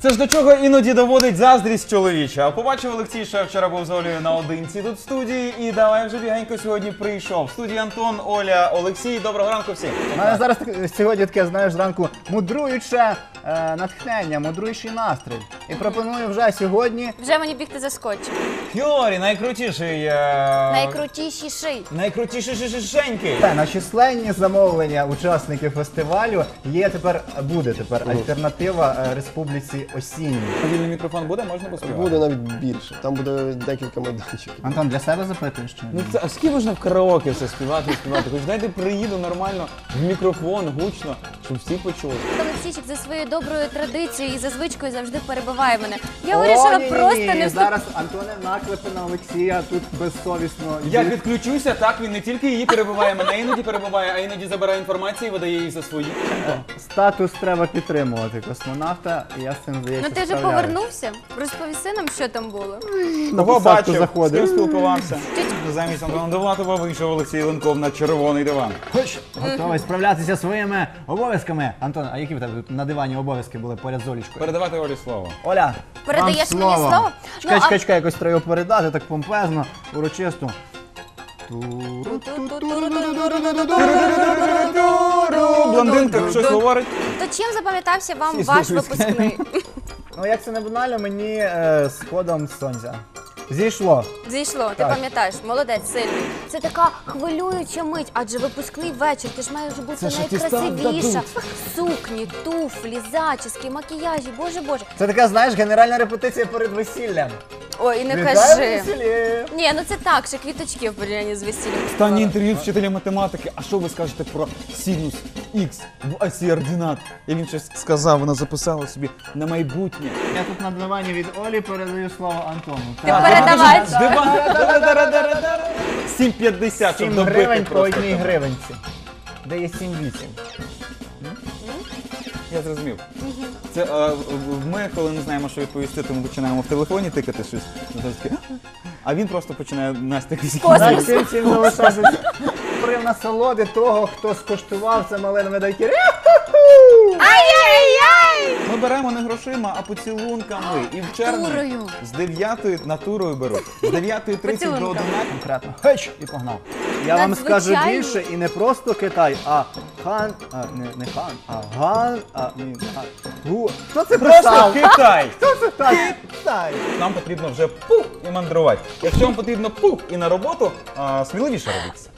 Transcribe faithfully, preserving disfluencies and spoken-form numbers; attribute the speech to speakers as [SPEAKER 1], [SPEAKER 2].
[SPEAKER 1] Це ж до чого іноді доводить заздрість чоловіча. Побачив Олексій, що я вчора був з Олею наодинці тут в студії, і давай вже бігенько сьогодні прийшов. В студії Антон, Оля, Олексій. Доброго ранку всім.
[SPEAKER 2] У мене зараз так- сьогодні таке, знаєш, зранку мудруюче е, натхнення, мудруючий настрій. І пропоную вже сьогодні
[SPEAKER 3] Вже мені бігти за скотчем.
[SPEAKER 1] Хьорі, найкрутіший... Е...
[SPEAKER 3] Найкрутішіший.
[SPEAKER 1] Найкрутіший шишенький.
[SPEAKER 2] Та, на численні замовлення учасників фестивалю є тепер, буде тепер альтернатива е, Республіці Осінній.
[SPEAKER 1] Мобільний мікрофон буде, можна поспівати?
[SPEAKER 4] Буде навіть більше. Там буде декілька майданчиків.
[SPEAKER 2] Антон, для себе запитуєш чи
[SPEAKER 1] Ну
[SPEAKER 2] ні?
[SPEAKER 1] це, а скільки можна в караоке все співати і співати? Хоч дайте приїду нормально в мікрофон, гучно, щоб всі почули.
[SPEAKER 3] Олексійчик за своєю доброю традицією і за звичкою завжди перебиває мене. Я
[SPEAKER 2] О,
[SPEAKER 3] вирішила
[SPEAKER 2] ні-ні-ні,
[SPEAKER 3] просто не вступ...
[SPEAKER 2] зараз Антоне наклепи на Олексія тут безсовісно.
[SPEAKER 1] Як відключуся, так він не тільки її перебиває, мене іноді перебиває, а іноді забирає інформацію і видає її за свої.
[SPEAKER 2] Статус треба підтримувати космонавта, і я з цим, здається,
[SPEAKER 3] Ну ти вже
[SPEAKER 2] справляюсь.
[SPEAKER 3] повернувся? Розповіси нам, що там було.
[SPEAKER 2] На
[SPEAKER 1] Кого
[SPEAKER 2] посадку
[SPEAKER 1] бачив, з
[SPEAKER 2] заходив.
[SPEAKER 1] ким спілкувався. Замість Антона Довлатова вийшов Олексій Ленков на червоний диван.
[SPEAKER 2] Хоч готовий справлятися своїми обов'язками. Антон, а які в тебе тут на дивані обов'язки були поряд з Олічкою?
[SPEAKER 1] Передавати Олі слово.
[SPEAKER 2] Оля,
[SPEAKER 3] Передаєш
[SPEAKER 2] вам
[SPEAKER 3] мені слово?
[SPEAKER 2] Чекай,
[SPEAKER 3] Ну,
[SPEAKER 2] чекай,
[SPEAKER 3] а-
[SPEAKER 2] чекай, якось треба його передати, так помпезно, урочисто.
[SPEAKER 1] Блондинка щось говорить.
[SPEAKER 3] То чим запам'ятався вам
[SPEAKER 1] Всі
[SPEAKER 3] ваш
[SPEAKER 1] слухають.
[SPEAKER 3] випускний?
[SPEAKER 2] Ну, як це не банально, мені е, з ходом сонця. Зійшло.
[SPEAKER 3] Зійшло, ти
[SPEAKER 2] Так.
[SPEAKER 3] пам'ятаєш, молодець, сильний. Це така хвилююча мить, адже випускний вечір, ти ж маєш бути
[SPEAKER 1] Це ж атестат
[SPEAKER 3] найкрасивіша. Сукні, туфлі, зачіски, макіяжі, боже боже.
[SPEAKER 2] Це така, знаєш, генеральна репетиція перед весіллям.
[SPEAKER 3] Ой, і не
[SPEAKER 2] Вітаю
[SPEAKER 3] кажи.
[SPEAKER 2] весіллі!
[SPEAKER 3] Ні, ну це так, ще квіточки в порівнянні з весіллям.
[SPEAKER 1] Останнє інтерв'ю вчителя математики. А що ви скажете про синус Х в осі ординат? І він щось сказав, вона записала собі на майбутнє.
[SPEAKER 2] Я тут на дивані від Олі передаю слово Антону.
[SPEAKER 3] Ти передавай.
[SPEAKER 1] Диван. Дара-дара-дара-дара. сім п'ятдесят, щоб
[SPEAKER 2] сім
[SPEAKER 1] добити
[SPEAKER 2] гривень по
[SPEAKER 1] просто.
[SPEAKER 2] одній гривенці. Де є сім вісім.
[SPEAKER 1] Я зрозумів. Це е, в- ми, коли не знаємо, що відповісти, то ми починаємо в телефоні тикати щось. Ну, то таке, А він просто починає Настя якісь.
[SPEAKER 2] Так, всім всім залишається при насолоди того, хто скуштував це малинове медайки.
[SPEAKER 3] Ай-яй-яй!
[SPEAKER 1] Ми беремо не грошима, а поцілунками. І в червні
[SPEAKER 3] Натурою.
[SPEAKER 1] з дев'ятої натурою беруть. З дев'ятої тридцять до
[SPEAKER 3] Поцілунками.
[SPEAKER 1] одинадцятої.
[SPEAKER 2] Конкретно. Хеч! І погнав. Я вам скажу
[SPEAKER 3] Надзвичайно.
[SPEAKER 2] більше, і не просто Китай, а хан, а, не, не хан, а ган, а ні, хан. Гу. Хто це
[SPEAKER 1] Просто
[SPEAKER 2] писав?
[SPEAKER 1] Китай!
[SPEAKER 2] Хто це так? Китай.
[SPEAKER 1] Нам потрібно вже пух і мандрувати. Якщо вам потрібно пух і на роботу, а, сміливіше робіться.